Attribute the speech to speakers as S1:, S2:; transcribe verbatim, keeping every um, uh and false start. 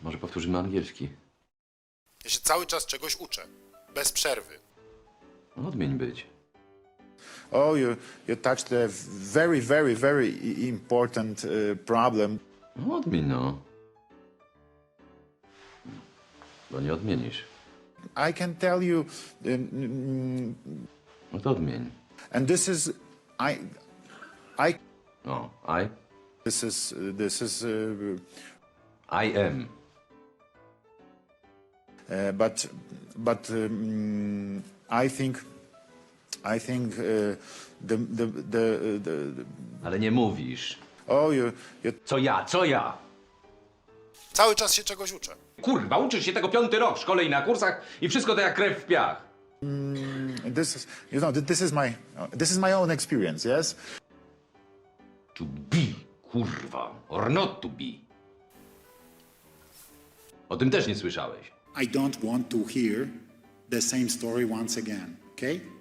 S1: Może powtórzymy angielski.
S2: Ja się cały czas czegoś uczę. Bez przerwy.
S1: No, odmień być.
S3: Oh, you, you touched a very, very, very i- important uh, problem.
S1: No, odmień, no. Bo nie odmienisz.
S3: I can tell you, um,
S1: No to odmień.
S3: and this is, I, I,
S1: O, I?
S3: this is, this is, uh,
S1: I am.
S3: uh, but, but um, I think, I think uh, the, the, the, the, the,
S1: Ale nie mówisz.
S3: oh, you, you,
S4: Co ja, co ja?
S2: Cały czas się czegoś uczę.
S4: Kurwa, uczysz się tego piąty rok w szkole i na kursach i wszystko to jak krew w piach.
S3: this is, you know, this is my, this is my own experience, yes?
S4: To be, kurwa, or not to be. O tym też nie słyszałeś.
S5: I don't want to hear the same story once again, okay?